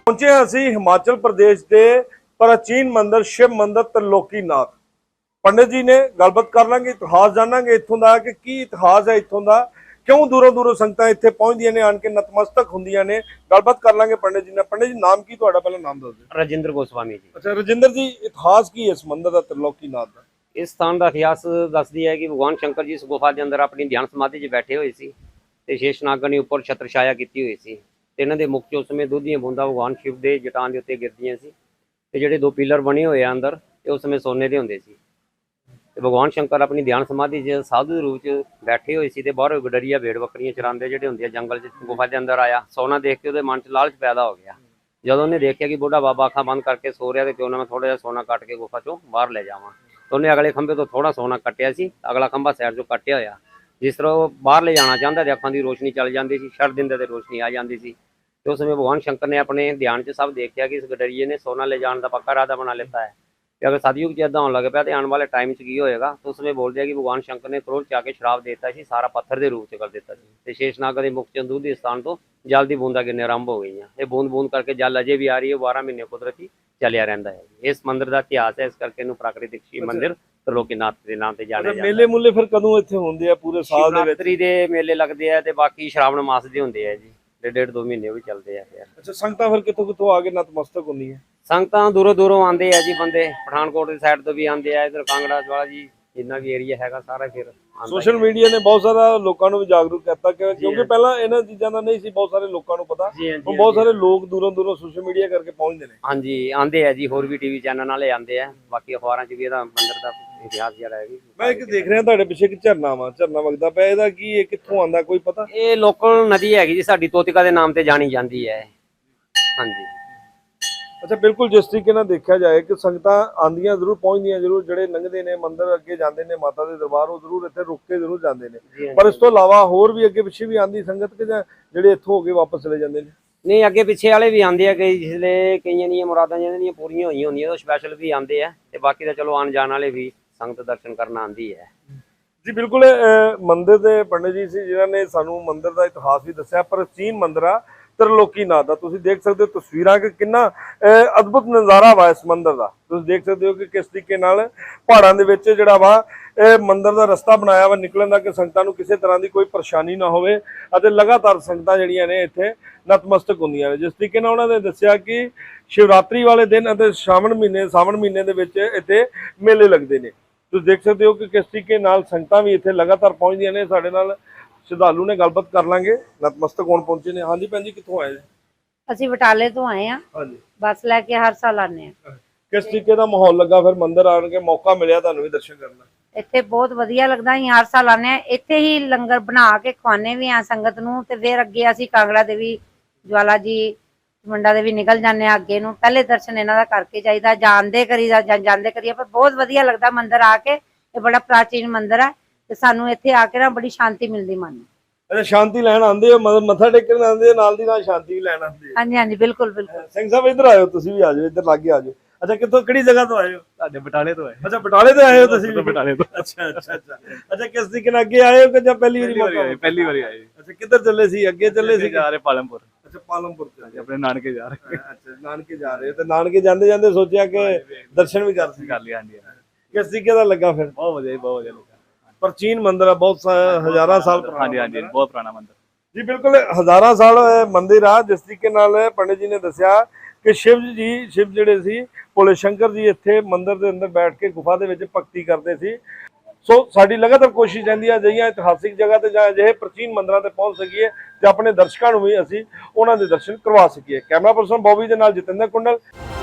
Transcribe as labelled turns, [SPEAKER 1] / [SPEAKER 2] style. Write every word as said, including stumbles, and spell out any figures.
[SPEAKER 1] पहुंचे असी हिमाचल प्रदेश के प्राचीन मंदिर शिव मंदिर त्रिलोकीनाथ। पंडित जी ने गलबात कर लांगे, इतिहास जानांगे इत्थों दा कि की इतिहास है इत्थों दा, क्यों दूरों दूरों संगतां इत्थे पहुंचदियां ने, आन के नतमस्तक हुंदियां ने। गलबात कर लांगे पंडित जी ने। पंडित जी नाम की तुहाडा, पहला नाम दस दिओ।
[SPEAKER 2] राजेंद्र गोस्वामी जी।
[SPEAKER 1] अच्छा राजेंद्र जी, इतिहास की है इस मंदिर दा त्रिलोकीनाथ दा?
[SPEAKER 2] इस स्थान का इतिहास दसदी है कि भगवान शंकर जी इस गुफा के अंदर अपनी ध्यान समाधि च बैठे हुए सी ते शेषनाग ने उपर छत्र छाया की हुई सी ते इन्हां दे मुख चों उस समय दुध दीआं बूंदां भगवान शिव के जटान के उत्ते गिरदियां सी ते जिहड़े दो पिलर बने हुए अंदर ते उस समय सोने के हुंदे सी ते भगवान शंकर अपनी ध्यान समाधि च साधु के रूप च बैठे हुए सी ते बाहरों गडरिया भेड़ बकरियां चरांदे जिहड़े हुंदे जंगल च गुफा के अंदर आया। सोना देख के उहदे मन च लालच पैदा हो गया। जदों उन्हें देखा कि बुढ़ा बाबा अखां बंद करके सो रहा, तो क्यों ना मैं थोड़ा जिहा सोना कट के गुफा चों बाहर ले जावां। तो उन्हें अगले खंभे तो थोड़ा सोना कट्टिया सी, अगला खंभा साइड चों कट्टिया होया। जिस तरह वो बाहर ले जाना चाहता तो अखां की रोशनी चल जाती सी, छड़ दिंदे तो रोशनी आ जाती सी। तो उस समय भगवान शंकर ने अपने ध्यान च सब देखा कि इस गडरिए ने सोना ले जाने का पक्का इरादा बना लेता है कि अगर सतयुग च इदां होने लग पाया तो आने वाले टाइम च की होएगा। तो उस समय बोल दिया कि भगवान शंकर ने क्रोध च आके श्राप देता सी, सारा पत्थर के रूप च कर दिता सी ते शेषनाग के मुख चंदू के स्थान तो जल की बूंदा गिरने आरंभ हो गई। ये बूंद बूंद करके जल अजे भी आ रही है, बारह महीने कुदरती चलिया रहिंदा है। इस मंदिर का इतिहास है, इस करके इहनूं प्राकृतिक शिव मंदिर त्रिलोकीनाथ के नाम से जाने जाता है।
[SPEAKER 1] मेले मुले फिर कदों इत्थे हुंदे आ? पूरे साल दे विच
[SPEAKER 2] शिवरात्रि दे मेले लगते हैं ते बाकी श्रावण मास दे हुंदे आ जी, डेढ़ डेढ़ दो महीने भी चलते हैं। फिर
[SPEAKER 1] अच्छा संगतां फिर कित्थों कित्थों आके नतमस्तक हुंदियां?
[SPEAKER 2] संगतां दूरों दूरों आते हैं जी बंदे, पठानकोट की साइड तो भी आते हैं, इधर कांगड़ा वाला जी जिन्ना भी एरिया हैगा सारा फिर
[SPEAKER 1] सोशल मीडिया ने बहुत सारा लोगों को भी जागरूक किया क्योंकि पहला इन्हां चीज़ां दा नहीं सी बहुत सारे लोगों को पता। हुण बहुत सारे लोग दूरों दूरों सोशल मीडिया करके पहुंचते हैं।
[SPEAKER 2] हाँ जी आते हैं जी, होर भी टीवी चैनल वाले आते हैं, बाकी अखबारां च भी इहदा मंदिर का इतिहास जिहड़ा है।
[SPEAKER 1] मैं एक देख रहा तुहाडे पिछे एक झरना वा, झरना वगदा पिया, इहदा की ये कित्थों आंदा कोई पता?
[SPEAKER 2] ये लोकल नदी हैगी जी, साडी तोतिका के नाम से जानी जाती है। हाँ जी।
[SPEAKER 1] अच्छा बिल्कुल, जिस तरीके नाल देखा जाए कि संगतां आंदियां जरूर पहुंचदियां जरूर, जिहड़े लंघदे ने मंदिर अगे जांदे ने माता दे दरबार वो जरूर इत्थे रुक के जरूर जांदे ने, पर इस तो इलावा होर भी अगे पिछे भी आंदी संगत के जिहड़े इत्थों हो के वापस चले जांदे ने?
[SPEAKER 2] नहीं अगे पिछे वाले भी आते हैं, कई जिसले कई दी मुरादां जिन्हां पूरीआं होईआं हुंदियां तो स्पैशल भी आते हैं ते बाकी तो चलो आन जाने वाले भी संगत दर्शन करना आंदी है
[SPEAKER 1] जी। बिल्कुल मंदिर के पंडित जी से जिन्होंने सानू मंदिर का इतिहास भी दस्या, प्राचीन मंदिर आ त्रिलोकीनाथ का। तुसीं देख सकते हो तस्वीरां कि कितना अद्भुत नज़ारा वा इस मंदिर का। तुसीं देख सकते हो कि किस तरीके नाल पहाड़ां दे विच जिहड़ा वा मंदिर का रस्ता बनाया वा निकलण दा कि संगतां नूं किसी तरह की कोई परेशानी ना होवे अते लगातार संगतां जिहड़ियां ने इत्थे नतमस्तक हुंदियां ने। जिस तरीके नाल उन्होंने दस्सिया कि शिवरात्रि वाले दिन अते श्रावण महीने सावन महीने दे विच इत्थे मेले लगदे ने। तुसीं देख सकते हो कि किस तरीके नाल संगतां भी इत्थे लगातार पहुंचदियां ने। साडे नाल श्रद्धालु ने गलबात कर लांगे, नतमस्तक होण पहुंचे ने। हाँ जी भैन जी, कित्थों आए?
[SPEAKER 3] ਅਸੀਂ ਬਟਾਲੇ ਤੋਂ ਆਏ ਆ।
[SPEAKER 1] ਹਾਂਜੀ,
[SPEAKER 3] ਬੱਸ ਲੈ ਕੇ ਹਰ ਸਾਲ ਆਨੇ ਆ।
[SPEAKER 1] ਕਿਸ ਤਰੀਕੇ ਦਾ ਮਾਹੌਲ ਲੱਗਾ ਫਿਰ ਮੰਦਿਰ ਆਣ ਕੇ, ਮੌਕਾ ਮਿਲਿਆ ਤੁਹਾਨੂੰ ਵੀ ਦਰਸ਼ਨ ਕਰਨ ਦਾ?
[SPEAKER 3] ਇੱਥੇ ਬਹੁਤ ਵਧੀਆ ਲੱਗਦਾ, ਅਸੀਂ ਹਰ ਸਾਲ ਆਨੇ ਆ। ਇੱਥੇ ਹੀ ਲੰਗਰ ਬਣਾ ਕੇ ਖਵਾਨੇ ਵੀ ਆ ਸੰਗਤ ਨੂੰ ਤੇ ਫਿਰ ਅੱਗੇ ਅਸੀਂ ਕਾਂਗੜਾ ਦੇਵੀ, ਜਵਾਲਾ ਜੀ, ਮੁੰਡਾ ਦੇ ਵੀ ਨਿਕਲ ਜਾਂਦੇ ਆ ਅੱਗੇ ਨੂੰ। ਪਹਿਲੇ ਦਰਸ਼ਨ ਇਹਨਾਂ ਦਾ ਕਰਕੇ ਜਾਈਦਾ, ਜਾਂਦੇ ਕਰੀਦਾ ਜਾਂ ਜਾਂਦੇ ਕਰੀਏ, ਪਰ ਬਹੁਤ ਵਧੀਆ ਲੱਗਦਾ ਮੰਦਿਰ ਆ ਕੇ। ਇਹ ਬੜਾ ਪ੍ਰਾਚੀਨ ਮੰਦਿਰ ਹੈ ਤੇ ਸਾਨੂੰ ਇੱਥੇ ਆ ਕੇ ਨਾ ਬੜੀ ਸ਼ਾਂਤੀ ਮਿਲਦੀ ਮਨ ਨੂੰ।
[SPEAKER 1] अच्छा शांति लैन आंदे हो, मतलब मत्था टेकन आंदे हो, नाल दी नाल शांति भी लैन आंदे हो?
[SPEAKER 3] हाँ जी हाँ जी बिल्कुल बिल्कुल।
[SPEAKER 1] सिंह साहब इधर आयो, तुसीं भी आ जाओ, इधर लागे आ जाओ। अच्छा कित्थों किहड़ी जगह तो आए हो?
[SPEAKER 4] ਸਾਡੇ ਬਟਾਲੇ ਤੋਂ ਆਏ।
[SPEAKER 1] अच्छा बटाले तो आए हो तुसीं भी?
[SPEAKER 4] ਬਟਾਲੇ ਤੋਂ।
[SPEAKER 1] अच्छा अच्छा अच्छा अच्छा किस तरीके नाल अगे आए हो कि जब पहली बारी मौका?
[SPEAKER 4] ਪਹਿਲੀ ਵਾਰੀ ਆਏ।
[SPEAKER 1] अच्छा किधर चले सी? अगे चले सी?
[SPEAKER 4] ਜਾ ਰਹੇ ਪਾਲਮਪੁਰ।
[SPEAKER 1] अच्छा पालमपुर से
[SPEAKER 4] ਆਪਣੇ ਨਾਨਕੇ ਜਾ ਰਹੇ।
[SPEAKER 1] अच्छा नानके जा रहे हो तो नानके जांदे जांदे सोचा कि दर्शन भी कर सी?
[SPEAKER 4] ਕਰ ਲਿਆ। ਹਾਂਜੀ
[SPEAKER 1] किस तरीके दा लगा फिर?
[SPEAKER 4] ਬਹੁਤ ਵਧੀਆ ਬਹੁਤ ਵਧੀਆ ਲੱਗਾ।
[SPEAKER 1] प्राचीन मंदिर है, बहुत हजारां साल पुराना।
[SPEAKER 4] ਹਾਂਜੀ ਹਾਂਜੀ ਬਹੁਤ ਪੁਰਾਣਾ ਮੰਦਿਰ
[SPEAKER 1] जी बिल्कुल, हजारां साल मंदिर आ। जिस तरीके नाल पंडित जी ने दस्या कि शिव जी शिव जिहड़े सी भोले शंकर जी इत्थे मंदिर दे अंदर बैठ के गुफा दे विच भगती करते सी। सो साडी लगातार कोशिश रहिंदी है अजिहियां इतिहासिक जगह ते जां अजिहे प्राचीन मंदिरां ते पहुंच सकीए ते अपने दर्शकां नूं भी असीं उहनां दे दर्शन करवा सकीए। कैमरा पर्सन बॉबी दे नाल जतिंदर कुंडल।